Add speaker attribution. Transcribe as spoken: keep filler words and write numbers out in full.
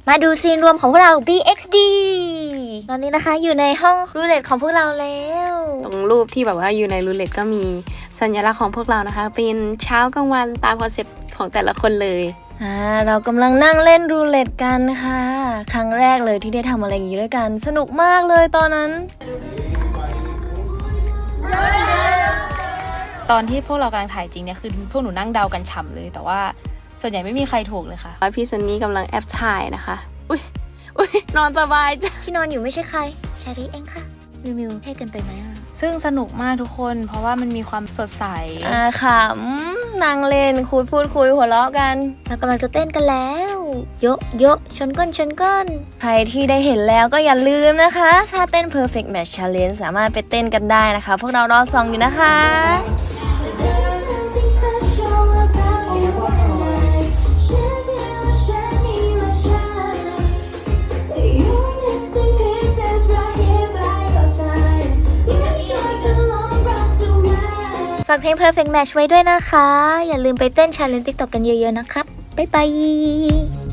Speaker 1: มาดูซีนรวมของพวกเรา บี เอ็กซ์ ดี ตอนนี้นะคะอยู่ในห้องรูเล็ตของพวกเราแล้ว
Speaker 2: ตรงรูปที่แบบว่าอยู่ในรูเล็ตก็มีสัญลักษณ์ของพวกเรานะคะเป็นเช้ากลางวันตามคอนเซ็ปต์ของแต่ละคนเลย
Speaker 1: อ่าเรากำลังนั่งเล่นรูเล็ตกันค่ะครั้งแรกเลยที่ได้ทำอะไรอย่างนี้ด้วยกันสนุกมากเลยตอนนั้น
Speaker 3: ตอนที่พวกเรากำลังถ่ายจริงเนี่ยคือพวกหนูนั่งเดากันฉ่ำเลยแต่ว่าส่วนใหญ่ไม่มีใครถูกเลยค่ะ
Speaker 2: พี่ซันนี่กำลังแอบถ่ายนะคะอุ้ยอุ้ยนอนสบายจ้ะ
Speaker 1: ที่นอนอยู่ไม่ใช่ใครชาริเองค่ะมิวมิวเท่เกินไปไหมอ่ะ
Speaker 3: ซึ่งสนุกมากทุกคนเพราะว่ามันมีความสดใส
Speaker 1: อ่าขำนั่งเล่นคุยพูดคุยหัวเราะกันเรากำลังจะเต้นกันแล้วโยะโยะชนก้นชนก้นใครที่ได้เห็นแล้วก็อย่าลืมนะคะถ้าเต้น Perfect Match Challenge สามารถไปเต้นกันได้นะคะพวกเรารอส่องอยู่นะคะฝากเพลง Perfect Match ไว้ด้วยนะคะอย่าลืมไปเต้น Challenge TikTok กันเยอะๆนะครับบ๊ายบาย